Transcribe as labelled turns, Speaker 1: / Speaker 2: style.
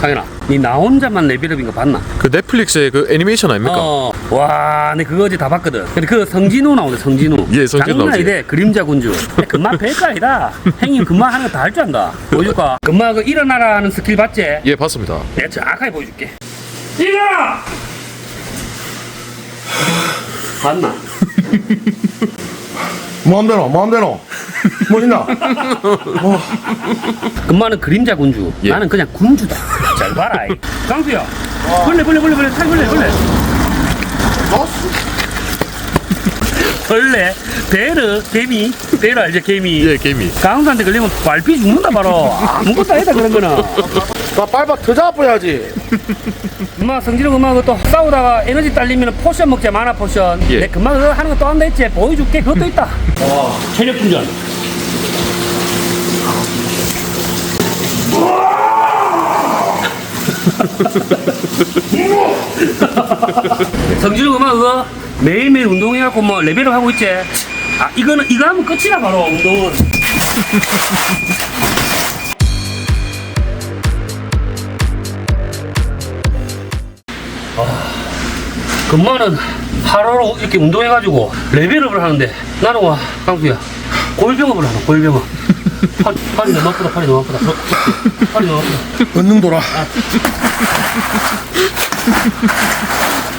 Speaker 1: 상현아, 니 나 혼자만 레벨업인 거 봤나?
Speaker 2: 그 넷플릭스의 그 애니메이션 아닙니까?
Speaker 1: 와, 내 그거 어제 다 봤거든. 근데 그 성진우 나오네, 성진우.
Speaker 2: 예, 성진우
Speaker 1: 장난
Speaker 2: 나오지.
Speaker 1: 아니대, 그림자 군주. 금마 별거 아니다. 형님 금마 하는 거 다 할 줄 안다. 보여줄까? 금마 그 일어나라 하는 스킬 봤지?
Speaker 2: 예, 봤습니다.
Speaker 1: 내가 정확하게 보여줄게. 일어나! 봤나?
Speaker 3: 마음대로 뭐 있나?
Speaker 1: 금마는 그림자 군주.
Speaker 2: 예.
Speaker 1: 나는 그냥 군주다. 잘 봐라. 강수야. 벌레. 살 벌레. 벌레, 베르, 개미. 베르 알지? 개미.
Speaker 2: 예, 개미.
Speaker 1: 강수한테 걸리면 발피 죽는다 바로. 아무것도 아니다 그런 거는.
Speaker 3: 나 밟아 더 잡아야지.
Speaker 1: 엄마 성진우 엄마 그또 싸우다가 에너지 딸리면 포션 먹자. 만화 포션.
Speaker 2: 예.
Speaker 1: 내 금방 그거 하는 거 또 한다 했지. 보여줄게. 그것도 있다. 체력 충전. 성진우 엄마 그거 매일매일 운동해갖고 뭐 레벨업 하고 있지. 아 이거 하면 끝이다 바로 운동은. 금마는 하루로 이렇게 운동해가지고 레벨업을 하는데 나는 와 강수야 골병업을 하나 골병업. 팔이 너무 아프다. 팔이 너무 아프다.
Speaker 3: 권능 돌아.